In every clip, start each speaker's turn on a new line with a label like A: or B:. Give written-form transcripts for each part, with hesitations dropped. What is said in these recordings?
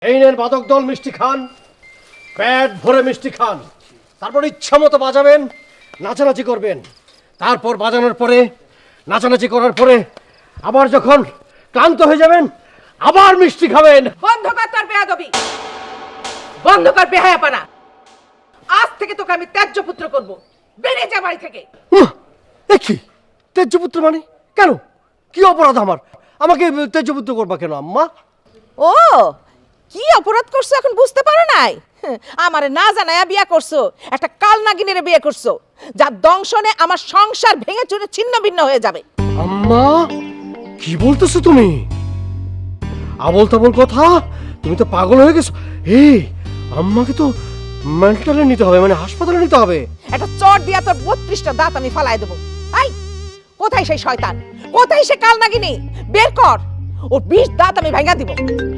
A: এই নেন বাদক দল, মিষ্টি খান, পেট ভরে মিষ্টি খান। তারপর ইচ্ছা মতো বাজাবেন, নাচানাচি করবেন। তারপর বাজানোর পরে, নাচানাচি করার পরে আবার যখন ক্লান্ত হয়ে যাবেন আবার মিষ্টি খাবেন।
B: বন্ধ কর তোর বেয়াদবি, বন্ধ কর বেহায়াপনা। আজ থেকে তোকে আমি ত্যায্য পুত্র করব। বেরিয়ে যা বাড়ি থেকে।
A: কি তেজপুত্র মানে? কেন, কি অপরাধ আমার? আমাকে তেজপুত্র করবা কেন আম্মা?
B: ও কি অপরাধ করছো এখন বুঝতে পারো নাই? আমারে না জানায়া বিয়ে করছো, একটা কালনাগিনীর বিয়ে করছো, যার দংশনে আমার সংসার ভেঙে চুরে ছিন্ন ভিন্ন হয়ে যাবে।
A: আম্মা কি বলতেছো তুমি? আবল তাবল কথা, তুমি তো পাগল হয়ে গেছো। এই আম্মাকে তো মেন্টালে নিতে হবে, মানে হাসপাতালে নিতে হবে।
B: একটা চট দিয়া তোর 32টা দাঁত আমি ফালাই দেবো। আই কোথায় সেই শয়তান, কোথায় সে কালনাগিনী? বের কর, ওর 20 দাঁত আমি ভেঙে দিব।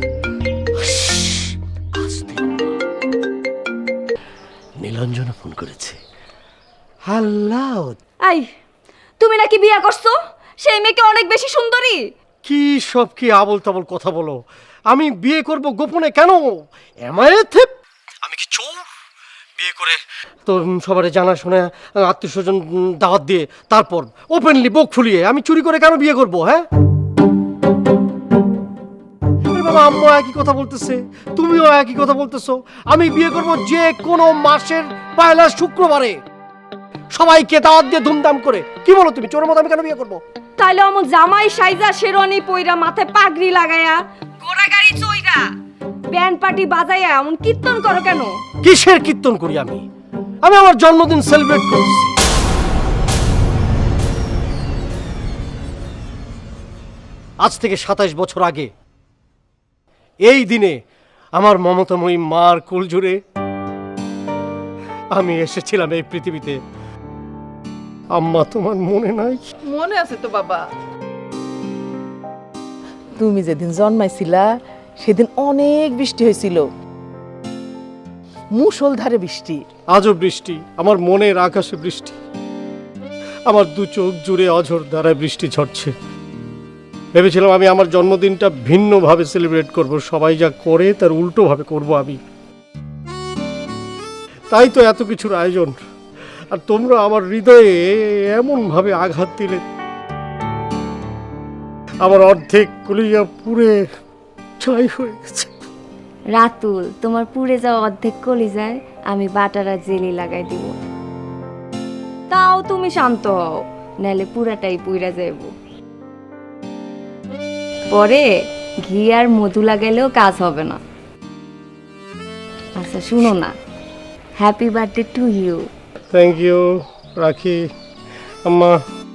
A: নীলাঞ্জনা ফোন করেছে। হ্যালো।
C: আই তুমি নাকি বিয়া করছো? সেই মেয়েকে অনেক বেশি সুন্দরী।
A: কি সব কি আবল তাবল কথা বলো? আমি বিয়ে করব গোপনে কেন? আমি কি চোর? বিয়ে করে তো সবারে জানা শোনা আত্মীয় স্বজন দাওয়াত দিয়ে তারপর ওপেনলি বুক ফুলিয়ে আমি চুরি করে কেন বিয়ে করব? হ্যাঁ বাবা, আম্মু একই কথা বলতেছে, তুমিও একই কথা বলতেছো। আমি বিয়ে করব যে কোনো মাসের পয়লা শুক্রবারে, সবাইকে দাওয়াত দিয়ে ধুমধাম করে। কি বলো তুমি? চোরের মতো আমি কেন বিয়ে করব?
C: তাইলে আমার জামাই সাইজা শেরওয়ানি পইরা মাথায় পাগড়ি লাগায়া ঘোড়া গাড়ি চইরা ব্যান্ড পার্টি বাজাইয়া এমন কীর্তন করো কেন?
A: কিসের কীর্তন করি আমি? আমি আমার জন্মদিন সেলিব্রেট করছি। আজ থেকে 27 বছর আগে এই দিনে আমার মমতাময়ী মার কোল জুড়ে আমি এসেছিলাম এই পৃথিবীতে। আম্মা তোমার মনে নাই?
B: মনে আছে তো বাবা, তুমি যেদিন জন্মাইছিলা সেদিন অনেক বৃষ্টি হয়েছিল, মুষলধারে বৃষ্টি।
A: আজও বৃষ্টি, আমার মনের আকাশে বৃষ্টি, আমার দু চোখ জুড়ে অঝোর ধারায় বৃষ্টি ঝরছে। ভেবেছিলাম আমি আমার জন্মদিনটা ভিন্নভাবে সেলিব্রেট করব, সবাই যা করে তার উল্টোভাবে করব আমি। তাই তো এত কিছুর আয়োজন, আর তোমরা আমার হৃদয়ে এমনভাবে আঘাত দিলে, আমার অর্ধেক কলিজা পুড়ে ছাই হয়ে গেছে।
C: রাতুল, তোমার পুড়ে যাওয়া অর্ধেক কলিজায় আমি বাটার আর জেলি লাগাই দিব। তাও তুমি শান্ত হও, নাহলে পুরাটাই পুইরা যাইব। পরে ঘি আর মধু লাগাইলেও কাজ হবে না। আচ্ছা শুনো না, happy birthday to you.
A: Thank you রাখি। আম্মা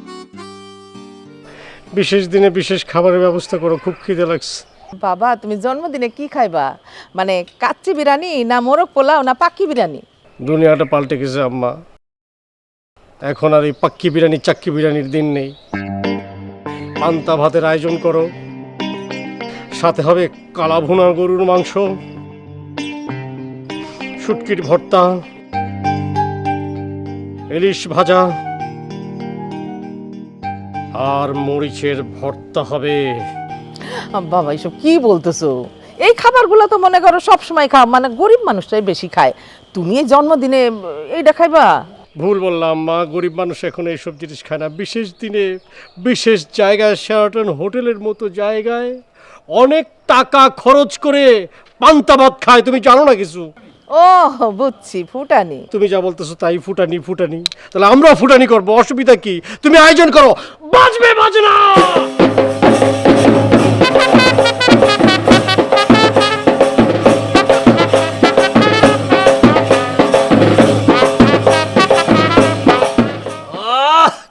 A: বিশেষ দিনে বিশেষ খাবারের ব্যবস্থা করো, খুব খিদে লাগছে।
B: বাবা তুমি জন্মদিনে কি খাইবা? মানে কাচ্চি বিরিয়ানি না মোরগ পোলাও না পাক্কি বিরিয়ানি?
A: দুনিয়াটা পাল্টে গেছে আম্মা, এখন আর এই পাক্কি বিরিয়ানি চাক্কি বিরিয়ানির দিন নেই। পান্তা ভাতের আয়োজন করো, সাথে হবে কালা ভুনা গরুর মাংস, শুটকির ভর্তা, ইলিশ ভাজা আর মরিচের ভর্তা হবে।
B: বাবা এসব কি বলতেছো? এই খাবারগুলো তো মনে করো সব সময় খাও, মানে গরিব মানুষটাই বেশি খায়, তুমি এই জন্মদিনে এইটা খাইবা?
A: ভুল বললাম মা, গরিব মানুষ এখন এইসব জিনিস খায় না। বিশেষ দিনে বিশেষ জায়গায়, শেরাটন হোটেলের মতো জায়গায় অনেক টাকা খরচ করে পান্তা ভাত খায়। তুমি জানো না কিছু?
B: ও বুঝছি, ফুটানি।
A: তুমি যা বলতেছো তাই, ফুটানি ফুটানি। তাহলে আমরাও ফুটানি করবো, অসুবিধা কি? তুমি আয়োজন করো, বাজবে বাজনা।